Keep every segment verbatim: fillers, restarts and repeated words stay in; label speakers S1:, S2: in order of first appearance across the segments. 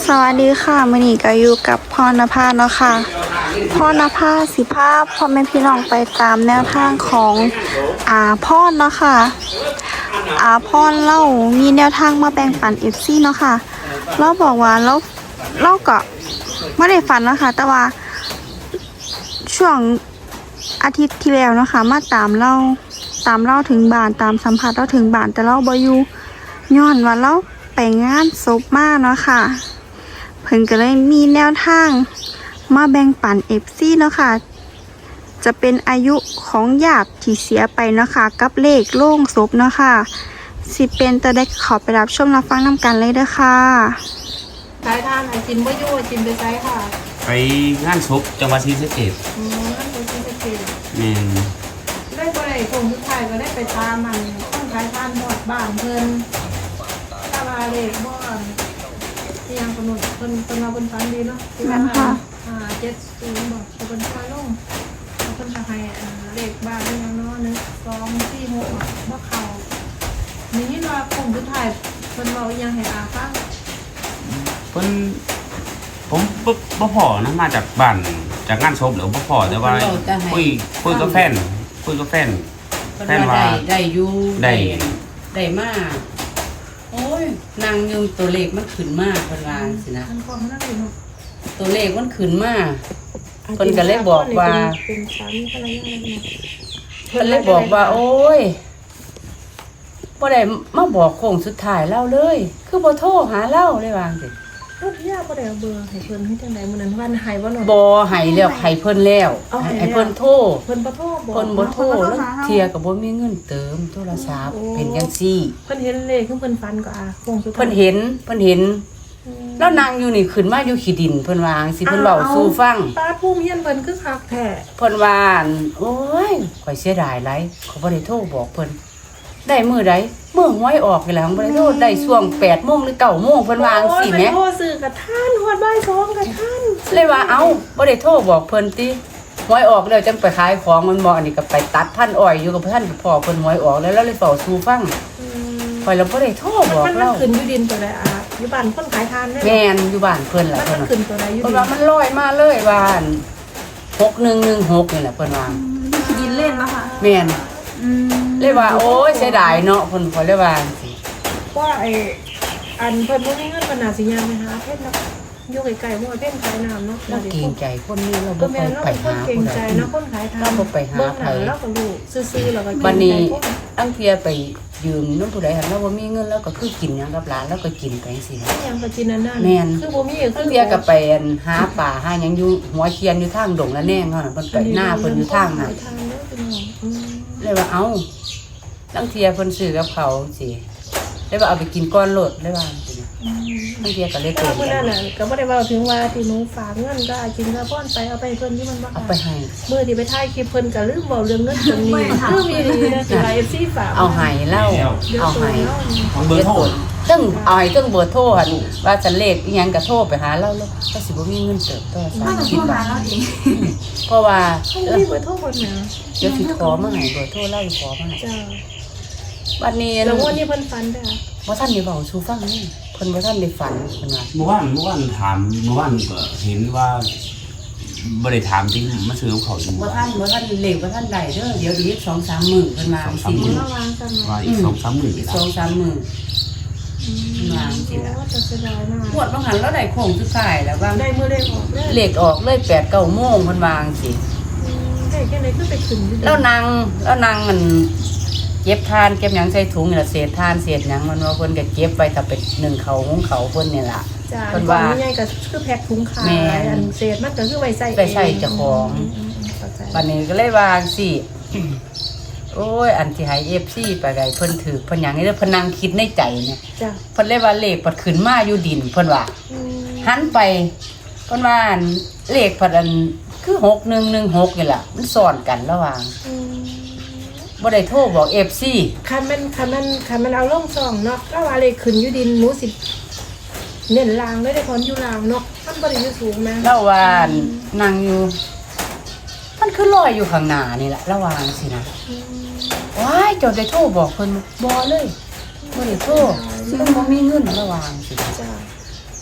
S1: สวัสดีค่ะมื้อนี้ก็อยู่กับพรณภาเนาะค่ะพรณภาสิภาพพ่อแม่พี่น้องไปตามแนวทางของอาพรเนาะค่ะอาพรเล่ามีแนวทางมาแบ่งปัน เอฟ ซี เนาะค่ะเราบอกว่าเราเราก็ไม่ได้ฝันเนาะค่ะแต่ว่าช่วงอาทิตย์ที่แล้วเนาะค่ะมาตามเราตามเราถึงบ้านตามสัมผัสเราถึงบ้านแต่เราบ่อยู่ย้อนว่าเราไปงานศพมาเนาะค่ะเพิ่นก็เลยมีแนวทางมาแบ่งปัน เอฟ ซี เนาะค่ะจะเป็นอายุของญาติที่เสียไปเนาะค่ะกับเลขโล่งศพเนาะค่ะสิเป็นตะได้ขอไปรับชมรับฟังนำกันเลยเด้อค่ะ
S2: สายทานไอจินบ่อยู่ไอจินไปไซค่ะ
S3: ไปงานศพจังหวัดศรีสะเกษ
S2: อืมนั่นเป็นที่จะเกต
S3: แม่น
S2: ได้บ่ได้คงทุกทายก็ได้ไปตามมันต้องสายทานหมดบ้านเพิ่นตาลาเล็กบ่อนที่ยังกำหนดเพิ่นเพิ่นมาเพิ่นฟันดีเนาะที่ว่าอ่าเจ็ดศูนย์บอกเพิ่นคอยลงเพิ่นจะให้เลขบ้านได้ยังเนาะหนึ่งสองสี่หกบ่เข้านี่ยินว่าคงทุกทายเพิ่นเว้าอีหยังให้อาฟัง
S3: เพิ่นผมบ่บ่พอนะมาจากบ้านจากงานศพหรือบ่พอแต่ว่าคุยคุยกับแฟนคุยกับแฟน
S4: แฟนว่าได้อยู่ได้ได้มากโอ้ยนางยืมตัวเลขมันขึ้นมากเพิ่นว่าสินะตัวเลขมันขึ้นมากเพิ่นก็เลยบอกว่า
S2: เป็นสามีภรรยาแล้วนะ
S4: เพิ่นเลยบอกว่าโอ้ยบ่ได้มาบอกโค้งสุดท้ายเล่าเลยคือบ่โทรหาเล่าเลยว่าจังซี่
S2: รถยาบ่ได้เอาเบอร์ให้เพิ่นให้จังได๋มื้อนั้นวันให้บ่เนาะ
S4: บ่ให้แล้วให้เพิ่นแล้วให้เพิ่นโทร
S2: เพิ่นบ่โทรบ่
S4: เพิ่นบ่โทรแล้วเที่ยก็บ่มีเงินเติมโทรศัพท์เป็นจังซี่
S2: เพิ่นเห็นเลขคือเพิ่นฟันก็อ่ะโค้งสุดท้าย
S4: เพิ่นเห็นเพิ่นเห็นแล้วนางอยู่นี่ขึ้นมาอยู่ขี้ดินเพิ่นว่าจังซี่เพิ่นเว้าสู่ฟัง
S2: ตาภูมิเฮียนเพิ่นคือคักแท้
S4: เพิ่นว่าโอ้ยข่อยเสียดายหลายเขาบ่ได้โทรบอกเพิ่นได้มื้อใดมื้อหวยออกนี่แหละบ่ได้โทรได้ช่วง แปดโมง หรือ เก้าโมงเพิ่นว่าจังซี่แหม
S2: โทรซื้อกับท่านฮอดบ่ายสองกับท่าน
S4: เลยว่าเอ้าบ่ได้โทรบอกเพิ่นติหวยออกแล้วจังไปขายของมันบ่อันนี้ก็ไปตัดพันอ้อยอยู่กับท่านพ่อเพิ่นหวยออกแล้วแล้วเลยเฝ้าสู่ฟังข่อยแล้วบ่ได้โทรบอก
S2: เรามันขึ้นอยู่ดินตัวใดอ่ะอยู่บ้านคนขายทานได้
S4: แม่นอยู่บ้านเพิ่นล่ะ
S2: เพิ่นขึ้นตัวใดอยู่
S4: เพิ่นว่ามันลอยมาเลยว่าหกหนึ่งหนึ่งหกนี่แหละเพิ่นว่า
S1: ดินเล่นเนาะค่ะ
S4: แม่นเลยว่าโอ้ยเสียดายเนาะเพิ่นข่อยเลยว่าจังซี่
S2: ว่าไอ้อันเพิ่นบ่มีเงินปานน่าสิย่างไปหาเพชรเนาะอยู่ไกลๆบ่เพิ่นขายน้ำเนาะ
S4: เราเกรงใจคนนี้เราบ่ไปหา
S2: เกรงใจเนาะคนขายทาน
S4: เราบ่ไปหาไผ
S2: เราก็รู้ซื่อๆแล้วก็
S4: บัดนี้อังเทียไปยืมนำผู้ใดหั่นเราบ่มีเงินแล้วก็คือกินหยังกับหลานแล้วก็กินไปจังซี่นะ
S2: หยังก็กินนั่น
S4: แม่น
S2: คือบ่มี
S4: คือเทียก็ไปหาป่าหาหยังอยู่หัวเคียนอยู่ทางดงละแนงเนาะเพิ่นไปหน้าเพิ่นอยู่ทางน่ะเลยว่าเอ้าอังเทียเพิ่นซื้อกับเขาสิเลยว่าเอาไปกินก้อนโลดเลยว่าจังซี่อังเทียก็เลยเกิด
S2: มื้อนั้นน่ะก็บ่ได้เว้าถึงว่าที่หนูฝากเงินก็กินกระป้อนไปเอาไปเพิ่นที่มันบ่
S4: เอาไปให้
S2: มื้อที่ไปถ่ายคลิปเพิ่นก็ลืมเว้าเรื่องเงินตรงนี้คือมีดีนะสิไลฟ์ซีฝาก
S4: เอาให้เล่าเอาให้
S3: ของเบอร์โทร
S4: ตึ้งเอาให้ตึ้งเบอร์โทรหั่นว่าจะเลขอีหยังก็โทรไปหาเราแล้วก็สิบ่มีเงินเติบโตซะคิดว่าเพราะว่า
S2: เออเบอร์โทรเพิ่นน่ะ
S4: เดี๋ยวสิขอมาให้เบอร์โทรเล่าขอมาให้
S2: จ้า
S4: วันนี้
S2: แล้ววันนี้เพิ่นฝันได้
S4: บ่ทันได้เว้าสู่ฟังนี่เพิ่นบ่ทันได้ฝันเพิ่นว่า
S3: เมื่อวานเมื่อวานถามเมื่อวานก็เห็นว่าบ่ได้ถามจริงมาซื้อเขาอยู่
S4: บ่ทันบ่ทันเลขบ่ทันได้เด้อเดี๋ยวอีก สองสาม มื้อเพิ่นว่าสิ
S2: มื้อละวางกัน
S3: ว่าอีก สองสาม มื้อนี่ล่ะ
S4: สองสาม มื้อวางสิล่ะ
S2: ว่าจะเสียดายมาก
S4: งวดบ่หันเราได้โค้งสุดท้ายแล้วว่า
S2: ได้มื้อเลขออก
S4: เลขออกเลย แปดเก้า โมงเพิ่นวางสิ
S2: ได้แค่ไหนคือไปขึ้นอยู่
S4: แล้วนางแล้วนางมันเก็บทานเก็บหยังใส่ถุงนี่ล่ะเศษทานเศษหยังมันว่าเพิ่นก็เก็บไปถ้าเป็นนึ่งเขาหุงเขาเพิ่นนี่ล่ะ
S2: เพิ่นว่าใหญ่ก็คือแพ็คถุงขายอันเศษมันก็คือไว้ใส่
S4: ไปใส่เจ้าของบัดนี้ก็เลยว่าสิโอ้ยอันที่ให้ เอฟ ซี ไปได้เพิ่นถือเพิ่นหยังนี่เพิ่นนั่งคิดในใจเนี่ย
S2: จ้ะ
S4: เพิ่นเลยว่าเลขปัดขึ้นมาอยู่ดินเพิ่นว่าหันไปเพิ่นว่าเลขปัดอันคือหกหนึ่งหนึ่งหกนี่ล่ะมันซ้อนกันระหว่างบ่ได้โทรบอก เอฟ ซี
S2: คันมันคันมันคันมันเอาลงซองเนาะก็ว่าเลขขึ้นอยู่ดินหนูสิเน้นล่างเลยได้พรอยู่ล่างเนาะมันบ่ได้อยู่สูงแม่
S4: แล้วว่านั่งอยู่มันคือลอยอยู่ข้างหน้านี่แหละระหว่างสินะว้ายเจ้าได้โทรบอกเพิ่นบ่เลยบ่ได้โทรซึ่งบ่มีเงินระหว่างสิ
S2: จ้ะ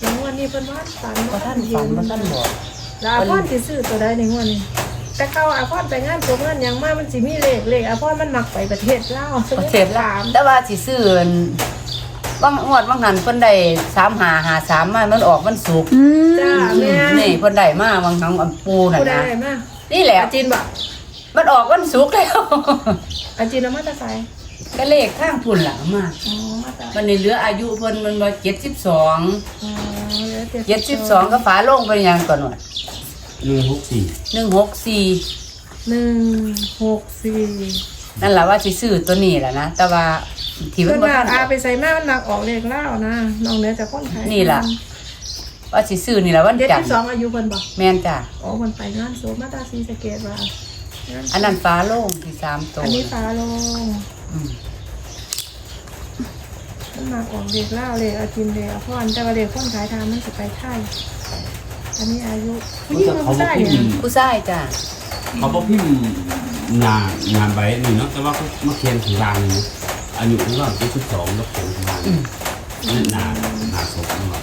S2: อย่างวันนี้เพิ่นว่าฝัน
S4: บ่ท่านฝันบ่ท่านบอก
S2: แล้วอาพรสิซื้อตัวใดในงวดนี้แต่เก่าอาพรไปงานตัวเงินยังมามันสิมีเลขเลขอาพรมันมักไปประเทศลาว
S4: ประเทศลาวแต่ว่าสิซื้อบางงวดบางหันเพิ่นได้สามห้าห้าสามมามันออกมันสุก
S1: อืม
S2: จ้าแม่
S4: นี่เพิ่นได้มาบางครั้งอันปูน่ะ
S2: ผู้ใด
S4: นะ
S2: ได้มา
S4: นี่แหละ
S2: อาจีนบ่
S4: มันออกวันสุกร์แล้ว
S2: อาจีนเอามาแต่ไส
S4: ก็เลขข้างพุ่นล่ะมา
S2: อ๋อมาแต่
S4: มันนี่เหลืออายุเพิ่นมันบ่เจ็ดสิบสอง
S2: อ๋อเหลือ
S4: เจ็ดสิบสองก็ฝาโลงเป็นหยังก่อนหนวด
S3: หนึ่งหกสี่
S4: หนึ่งหกสี่
S2: หนึ่งหกสี่
S4: นั่นแหละว่าสิซื้อตัวนี้แหละนะแต่ว่าที่มั
S2: เพิ่
S4: น
S2: น
S4: บ่
S2: ว่า
S4: ทันอ
S2: อา
S4: อก
S2: ไปใส่มามันมักออกเลขลาวนะน้องเหนือจากคนไทย
S4: นี่ล่ะ ว่าสิซื้อนี่แหละวัน
S2: เจ็ด
S4: จัน
S2: สิ
S4: ท
S2: บ
S4: ร์
S2: สองอายุเพิ่นบ่
S4: แม่นจ้ะ
S2: อ๋อเพิ่นไปงานโสมาตาซีสะเกตว่า
S4: อันนั้นฝาโลงที่สามตัว
S2: อันนี้ฟ้าลง
S4: อืม
S2: มันมาออกเด็กเล่าเลยเอากินเลยเอาพ่อนแต่ว่าเด็กคนขายทางมันจะไปไทยอันนี้อายุผู้หญิงมัน
S3: เขา
S2: ไม่
S3: บอก
S2: ได้
S3: พิ
S2: เนี่ย
S3: มพ์
S4: ผู้ชายจ้ะ
S3: เขาบอกพิมพ์งานงานใบนี่เนาะแต่ว่าเขามาเขียนถึงรางนี่นะอายุของเราเป็นสิบสองแล้วเขียนถึงรางนี่หนาหนาศพนี่ว่า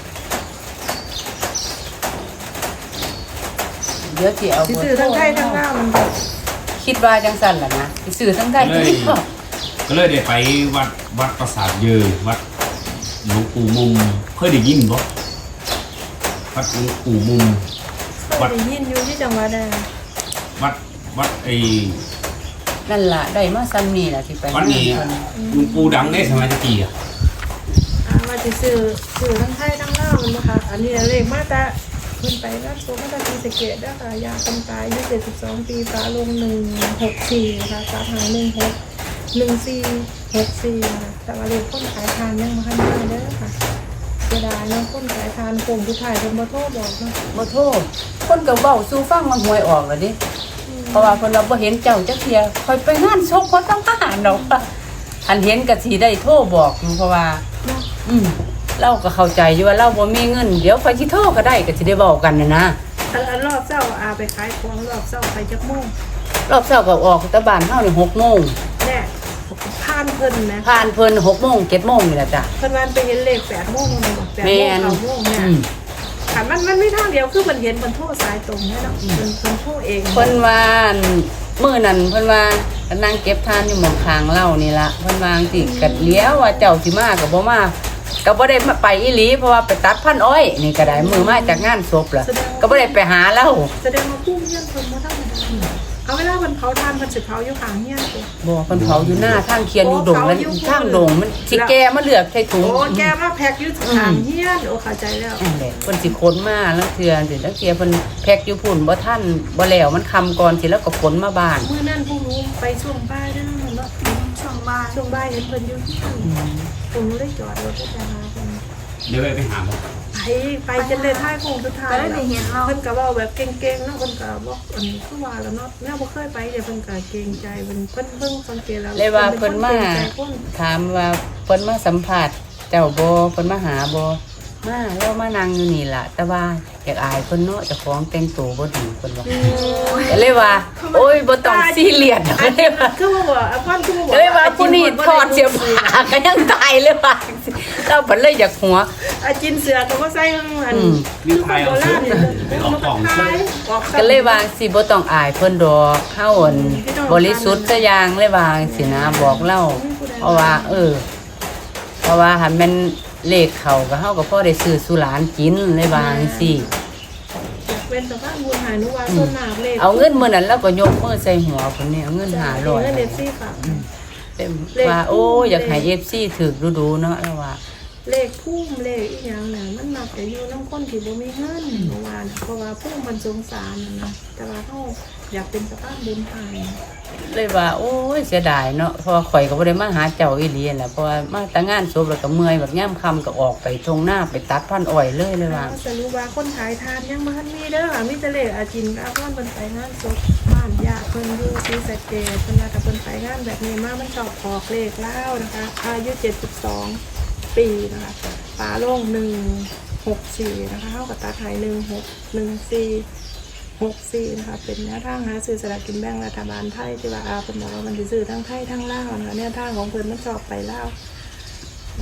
S4: เดี๋ยวสิเอา
S2: สิ
S4: เบอ
S2: ซื้อ
S4: ร์โทร
S2: ทั้งไทยทั้งลาวมันก็
S4: คิดว่าจังซั่นล่ะนะสิซื้อทั้งได้ทั้งนี้ก็
S3: ก็เลยได้ไปวัดวัดปราสาทเยอวัดหลวงปู่มุมเคยได้ยินบ่วัดหลวงปู่มุม
S2: เคยได้ยินอยู่ที่จังหวัดใด
S3: วัดวัดไอ้
S4: นั่นล่ะได้มาซ้ำนี่ล่ะสิไป
S3: วัดนี้
S4: เพิ่น
S3: หลวงปู่ดังได้สมัยตะกี้อ่ะ
S2: อ่าว่าสิซื้อซื้อทั้งไทยทั้งลาวมันบ่คะอันนี้เลขมาแต่เพิ่นไปงานโสมาตาซีสะเกตเด้อค่ะยาคนตายอายุเจ็ดสิบสองปีฟ้าลงหนึ่งหกสี่ค่ะสาขาหนึ่งหกหนึ่งสี่หกสี่ค่ะแต่ว่าเลขคนขายทานยังบ่ทันได้เด้อค่ะเสียดายเนาะคนขายทานโกงผู้ถ่ายเพิ่นบ่โทรบอกเนาะ
S4: บ่โทษคนก็เว้าสู่ฟังมันหวยออกแล้วดิเพราะว่าเพิ่นว่าบ่เห็นเจ้าจักเที่ยค่อยไปงานศพบ่ต้องมาหาดอกว่าอันเห็นก็สิได้โทรบอกอยู่เพราะว่า
S2: เนาะ
S4: อืมเราก็เข้าใจอยู่ว่าเราบ่มีเงินเดี๋ยวค่อยสิโทรก็ได้ก็สิได้เว้ากันน่ะนะ
S2: อันอันรอบเช้าอาไปขายของรอบเช้าไปจักโมง
S4: รอบเช้าก็ออกแต่บ้านเฮานี่หกโมง
S2: แน่ผ่านเพิ่นนะ
S4: ผ่านเพิ่นหกโมงเจ็ดโมงนี่ล่ะจ้ะ
S2: เพิ่นวันไปเห็นเลขแปดโมงเลยบอกแปด
S4: แม่
S2: โมง
S4: น
S2: เก้าโมงเนี่ย
S4: อืม
S2: ค่ะมันมันไม่ทางเดียวคือมันเห็นมันโทษสายตรงเนี่ยเนาะเพิ่นเพิ่นโทษเอง
S4: เพิ่นว่ามื้อนั้นเพิ่นว่าก็นั่งเก็บทานอยู่หม้องข้างเรานี่ล่ะเพิ่นว่าจังซี่ก็เลี้ยวว่าเจ้าสิมาก็บ่มาก็บ่ได้มาไปอีหลีเพราะว่าไปตัดพันอ้อยนี่ก็ได้มื้อมาจากงานศพล่ะก็บ่ได้ไปหาเรา
S2: แสดงว่าผู้เฮียนเพิ่นบ่ธรรมดาเอาเวลาเพิ่นเผาทานเพิ่นสิเผาอยู่ข้างเฮียนตัว
S4: บ่เพิ่นเผาอยู่หน้าทางเคียนอยู่ดงแล้วทางดงมันสิแก่มาเลือกใส่ถุง
S2: โอ้แกมาแพ็คอยู่ข้างเฮียนโอ้เข้าใจแล้ว
S4: นั่นแหละเพิ่นสิขนมาแล้วเทื่อสิจังเทื่อเพิ่นแพ็คอยู่พุ่นบ่ทันบ่แล้วมันค่ำก่อนสิแล้วก็ขนมาบ้าน
S2: มื้อนั้นผู้รู้ไปช่วงบ่ายเด้อเนาะ
S1: ช่วงบ่าย
S2: ช่วงบ่ายเห็นเพิ่นอยู่ที่นั่นผมเลยจอดรถไปหาเพิ่น
S3: เดี๋ยวไปไปหาบ่
S2: ไปไปจนเลยท้ายโค้งสุดท้าย
S1: ก็ได้ไปเห็นเรา
S2: เพิ่นก็เว้าแบบเก่งๆเนาะเพิ่นก็บอกอันนี้คือว่าแล้วเนาะแม่บ่เคยไปเดี๋ยวเพิ่นก็เกรงใจเพิ่นเพิ่นเพิ่งสังเกตแล้ว
S4: เลยว่าเพิ่นมา
S2: เกรงใจคน
S4: ถามว่าเพิ่นมาสัมภาษณ์เจ้าบ่เพิ่นมาหาบ่มาแล้วมานั่งอยู่นี่ล่ะ แต่ว่าอยากอายเพิ่นเนาะเจ้าของแต่งตัวบ่ดีเพิ่นว่าก็เลยว่า โอ้ยบ่ต้องซีเรียสดอกเลยว่า
S2: คือว่าบ่อะพ่อนคือว่าบ่
S4: ก็เลยว่าผู้นี้ถอดเสื้อผ้าก็ยังตายเลยว่าเราเพิ่นเลยอยากหัว
S2: อาจินเสือก็บ่ใส่ข้างมัน
S4: อืม
S3: มีใครเอาซื้อไปออกกล่องซื้อ
S2: ออก
S4: ก็เลยว่าสิบ่ต้องอายเพิ่นดอกเฮาอั่นบริสุทธิ์ซะอย่างเลยว่าสินะบอกเล่าเพราะว่า เออ เพราะว่าหันแม่นเลขเขาก็เฮาก็พอได้ซื้อสุหลานกินเลยว่าจังซี่
S2: เป็นสภาพบุญหายนุวาส่วนหนักเลย
S4: เอาเงินมื้อนั้นแล้วก็ยกมือใส่หัวเพิ่นนี่เอาเงินห้าร้อย
S2: เงินเอฟซีค่ะ
S4: เต็มว่าโอ้อยากให้ เอฟ ซี ถูกดูๆเนาะแล้วว่า
S2: เลขพุ่มเลขอีหยังน่ะมันมักจะอยู่น้ำคนที่บ่มีเงินเมื่อวานเพราะว่าพุ่มมันสงสารน่ะนะแต่ว่าเฮาอยากเป็นสภาพบุญหาย
S4: เลยว่าโอ้ยเสียดายเนาะเพราะว่าข่อยก็บ่ได้มาหาเจ้าอีหลีนั่นแหละเพราะว่ามาแต่งานศพแล้วก็เมื่อยแบบย่ำค่ำก็ออกไปทงหน้าไปตัดพันอ้อยเลยเลยว่า
S2: จะรู้ว่าคนขายทานยังบ่ทันมีเด้อมีแต่เลขอาจินกับพ่อนเพิ่นไปงานศพบ้านญาติเพิ่นอยู่ศรีสะเกษเพิ่นว่าถ้าเพิ่นไปงานแบบนี้มามันชอบออกเลขแล้วนะคะอายุเจ็ดสิบสองปีนะคะฝาโล่งหนึ่งหกสี่นะคะเท่ากับตาไทยหนึ่งหกหนึ่งสี่หกสี่นะคะเป็นแนวทางหาซื้อสลากกินแบ่งรัฐบาลไทยที่ว่าอาเป็นบอกว่ามันจะซื้อทั้งไทยทั้งลาวนะคะแนวทางของเพิ่นมันชอบไปลาวนะ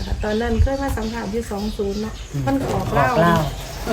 S2: ค่ะตอนนั้นเคยมาสัมผัสที่สองศูนย์เนาะมันก็ออก
S4: ออ
S2: เล่าก
S4: เล่า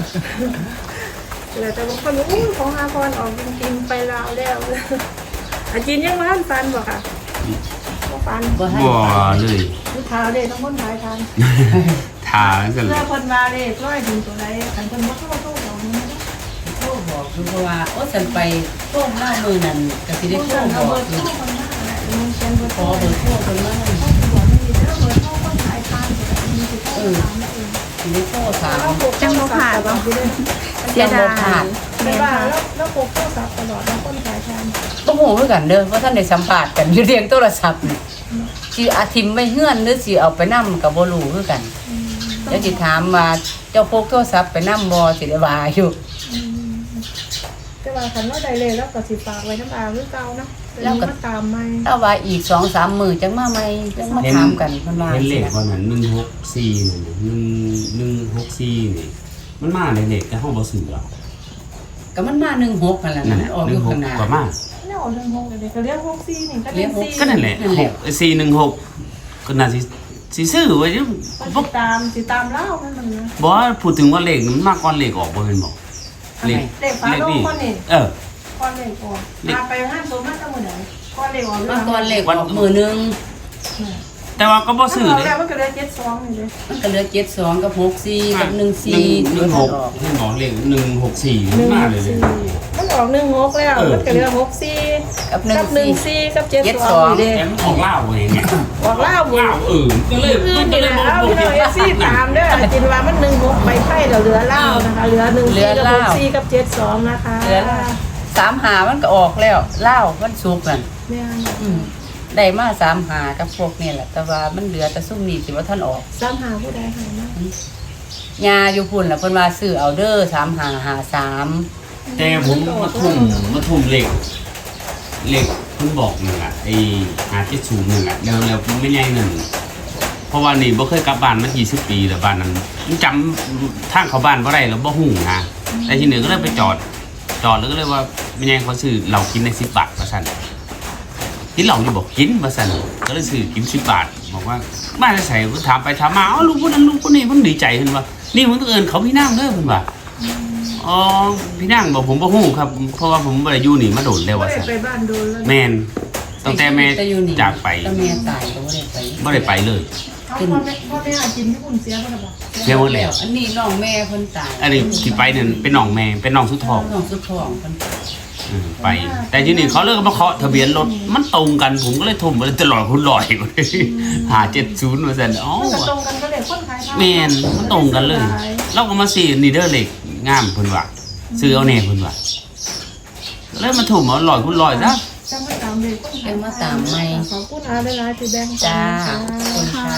S2: แต่บางคนอู้ของอาพรออกจริงๆไปลาวแล้วอาจีนยังมาฟันบอกค่ะก็ฟัน
S4: บ่ให้
S3: บ่เลย
S2: ลูกค้าเด็กต้องคนขายทาน
S3: ทากัน
S2: เพื่อคนมาเลยร้อยถึงตัวใดขันคนว่าเข้าเข้าของนี้
S4: โทรบอกคือเพราะว่าโอ้ฉันไปโทรเล่ามือนั่นก็สิได้โทร
S2: เอา
S4: บ
S2: เบ
S4: อ
S2: อก ร์
S4: อยู่
S2: โทรคนหน้าแหละมันเขียนเบอร์
S4: ข
S2: โทร
S4: อเบอร์โทรเพิ่นมา
S2: เขาบอกไม่มีเบอร์โทรคนขายทานแต่มีสิทธิ์โทรถามเอง
S4: สิได้โทรถาม
S1: จังบ่ผ่านบ่ เสียดาย
S2: ไม่
S1: แม่น
S2: ว่า
S1: ค่ะ
S2: แล้วแล้วพกโทรศัพท์ตลอดแล้วคนขายทาน
S4: บ่ฮู้คือกันเด้อว่าท่านได้สัมภาษณ์กันอยู่เรียงโทรศัพท์นี่สิอาทิมไม่เฮือนหรือสิเอาไปนำก็บ่รู้คือกันเดี๋ยวสิถามว่าเจ้าพกโทรศัพท์ไปนำบ่สิได้ว่าอยู่
S2: แต่ว่าคันว่าใดเลยแล้วก็สิฝากไว้น้ำอาหรือเก่านะแล้วก็ตามไม่
S4: ถ้าว่าอีก สองสาม มื้อจังมาใหม่จังมาถามกันเพิ่นว่า
S3: เห็นเล
S4: สิ
S3: ขวันนั้นหนึ่งหกสี่นี่หนึ่งหนึ่งหกสี่นี่มันมาในเลขแต่ห้องบ่ซื้อหรอก
S4: ก็มันมาหนึ่งหกนั่นแหละ
S3: นั่น
S4: มั
S3: แห
S4: น
S3: ละ
S4: ออก
S3: ห
S4: อ
S3: นึ่
S4: ยู่
S3: งห
S4: ข้าก งหน้า
S3: ก็มา
S2: เนี่ยออกเรื่องหกเลยก็เรียกหกซี่นี่ก็
S4: เรี
S2: เรี
S4: ย
S2: ย
S4: ก
S2: ก
S4: หก
S2: ซี่
S3: ก็นั่นแหละ
S4: นั่นแห
S3: ห
S4: ละ
S3: กสี่หนึ่งหกก็น่าสิสิซื้อไว้อยู่
S2: ก็ติดตามติดตามเล่ามันมันนะ
S3: บ่ว่าพูดถึงว่าเลขมันมาก่อนเลขออกบ่แม่นบ่เลข
S2: เด็กฟ้าโลกคนนี่
S3: เออ
S2: ก้อนเล็กออกมาไปห้างโซนมาตั้งมือไหนก้อนเล็กออก
S4: มาก่อนเลขออกมื้อหนึง
S3: แต่ว่าก็บ่ซื้อ
S2: มันออก
S3: เลย
S2: แล้วมันก็เลยเจ็ดสองนี่เลย
S4: มันก็เหลือเจ็ดสองกับหกสี่กับหนึ่ง
S3: ห
S4: สี่
S3: นึ่งหนึ่งหกให้หมอเลขหนึ่งหกสี่
S2: หนึ่ง
S3: มา
S2: ห
S3: เลย
S2: ก
S3: เลย
S2: สี่มันออกหนึ่งหกแล้วมันก็เหลือหกซี่
S4: กับหนึ่ง
S2: กับหนึ่ง
S4: สี่
S2: ซี่กับเจ็ดสองนี่เด้
S3: แต่มันออกเหล้าเองเนี่ย
S2: ออกเล่าบุ
S3: เหล้าเออก็เลย
S2: คืน
S3: ก็
S2: นี่
S3: เล
S2: แห
S3: ย
S2: ละ
S3: บ่
S2: เอา
S3: บ่
S2: พี่น้องเอซี่ตามเด้อจินว่ามันหนึ่งหกไปไพ่เราเหลือเล่านะคะเหลือหนึ่งซี่กับหกซี่กับเจ็ดสองนะคะ
S4: เหลือสามหามันก็ออกแล้วเล่ามันสุกนั่น
S2: เนี่ย
S4: อืมได้มาสามหากับพวกนี่แหละแต่ว่ามันเหลือแต่ซุ่มนี่สิว่าท่านออก
S2: ซ้ำหาผู้ใดหายมาก
S4: ยาอยู่พุ่นล่ะเพิ่นว่าซื้อเอาเด้อสามหาหาสาม
S3: แต่ผมมาทุ่มมาทุ่มเหล็กเหล็กเพิ่นบอกนึงอ่ะไอ้หาเจ็ดศูนย์นึงอ่ะแล้วแล้วไม่ใหญ่นึงเพราะว่านี่บ่เคยกลับบ้านมายี่สิบปีแล้วบ้านนั้นจำทางเข้าบ้านบ่ได้แล้วบ่ฮู้นะแต่ทีนี้ก็เลยไปจอด จอดแล้วก็เลยว่าไม่ใหญ่เขาซื้อเหล้ากินในสิบบาทว่าซั่นกินเหล้าอยู่บอกกินว่าซั่นก็เลยซื้อกินสิบบาทบอกว่าบ้านจะใส่ถามไปถามมาเอ้าลูกคนนั้นลูกคนนี้เพิ่นดีใจเพิ่นว่านี่มึงต้องเอิ้นเขาพี่นางเด้อเพิ่นว่าอ๋อพี่นางบอกผมบ่ฮู้ครับเพราะว่าผมบ่ได้อยู่นี่มาโดนแล้ว
S2: ไม่
S3: ว่า
S2: ได้
S3: ซั่น
S2: ไปบ้านโดนแล้ว
S3: แม่นตั้งแต่แม่
S4: ต่อยู่นี่
S3: จากไป
S4: แต่แม่ตายก็บ่ได้ไป
S3: บ่ได้ไปเลย
S2: เขาพ่อแม่พ่อแม่อาจินที่คุณเสียเขาหรือเปล่า
S3: เสียหมดแล้ว
S4: อันนี้น้องแม่เพิ่นตาย
S3: อันนี้ที่ไปนั่นเป็นน้องแม่เป็นน้องสุดทอง
S4: น้องสุดทองเพิ่น
S3: อืมไป แต่ทีนี้เขาเลิกมาเคาะทะเบียนรถมันตรงกันผมก็เลยทุ่มไปเลยตลอดคุณลอยหาเจ็ดศูนย์มาซั่นอ๋อ
S2: มันก็ตรงกันก็เลยคนขายข้าว
S3: แม่นมันตรงกันเลยเราก็มาซื้อนี่เด้อเหล็กงามเพิ่นว่าซื้อเอาแน่เพิ่นว่าเลยมาทุ่มเอาลอยคุณลอยซะ
S2: จังมาตามเลยคนขาย
S4: จังมาตามใหม่
S2: ขอบคุณอาหลายๆที่แบ่งปัน
S4: จ้า
S2: ค่ะ
S4: ขอบคุณค่ะ